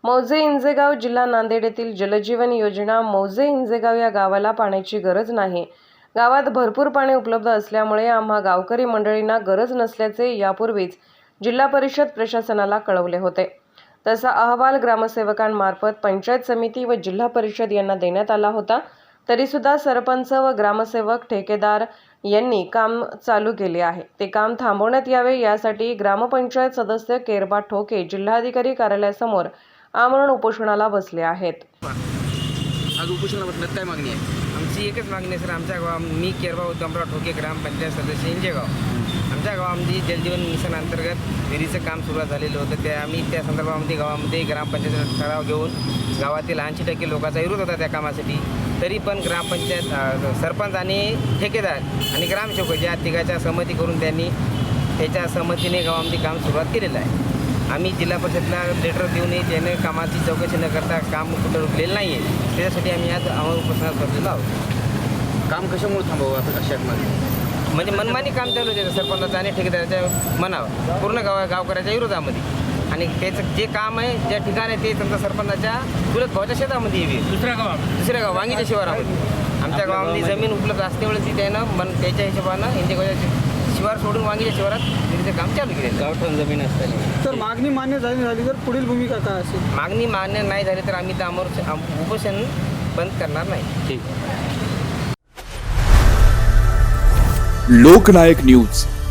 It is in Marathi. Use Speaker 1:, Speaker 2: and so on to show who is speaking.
Speaker 1: मौजे इंजेगाव जिल्हा नांदेड येथील जलजीवन योजना मौजे इंजेगाव या गावाला पाण्याची गरज नाही। गावात भरपूर पाणी उपलब्ध असल्यामुळे आम्हा गावकरी मंडळींना गरज नसल्याचे यापूर्वीच जिल्हा परिषद प्रशासनाला कळवले होते। तसा अहवाल ग्रामसेवकांमार्फत पंचायत समिती व जिल्हा परिषद यांना देण्यात आला होता। तरी सुद्धा सरपंच व ग्रामसेवक ठेकेदार यांनी काम चालू केले आहे। ते काम थांबवण्यात यावे यासाठी ग्रामपंचायत सदस्य केरबा ठोके जिल्हाधिकारी कार्यालयासमोर आमरण उपोषणाला बसले आहेत।
Speaker 2: आज उपोषणाला बसण्यात काय मागणी आहे?
Speaker 3: आमची एकच मागणी आहे सर, आमच्या गावात मी केरबा उद्धमराव ठोके ग्रामपंचायत सदस्य इंजेगाव, आमच्या गावामध्ये जलजीवन मिशन अंतर्गत विहिरीचं काम सुरुवात झालेलं होतं। आम्ही त्या संदर्भामध्ये गावामध्ये ग्रामपंचायत ठराव घेऊन गावातील 80% लोकांचा विरोध होता त्या कामासाठी। तरी पण ग्रामपंचायत सरपंच आणि ठेकेदार आणि ग्रामसेवक या तिघाच्या सहमती करून त्यांनी त्याच्या सहमतीने गावामध्ये काम सुरुवात केलेलं आहे। आम्ही जिल्हा परिषदला लेटर देऊनही त्याने कामाची चौकशी न करता काम कुठं रुकलेलं नाही आहे। त्याच्यासाठी आम्ही आज आमरण उपोषणात बसलेलो आहोत।
Speaker 2: काम कशामुळे थांबवावं आता अशात
Speaker 3: म्हणजे मनमानी काम चालू होते सरपंचाचं आणि ठेकेदाराच्या मनावर, पूर्ण गावकऱ्याच्या विरोधामध्ये। आणि त्याचं जे काम आहे ज्या ठिकाणी ते त्यांचा सरपंचाच्या चुलत भावाच्या शेतामध्ये येवी दुसऱ्या गाव वांगीच्या शिवारामध्ये। आमच्या गावामध्ये जमीन उपलब्ध असल्यामुळे ती त्यानं त्याच्या हिशोबानं इंजेगावच्या शिवार सोडून वांगीच्या शिवारात विहिरीचं काम चालू केले।
Speaker 2: गावठाण जमीन असताना
Speaker 4: तर मागणी मान्य झाली तर पुढील भूमिका काय असेल?
Speaker 3: मागणी मान्य नाही झाली तर आम्ही तर उपोषण बंद करणार नाही।
Speaker 2: ठीक।
Speaker 5: लोकनायक न्यूज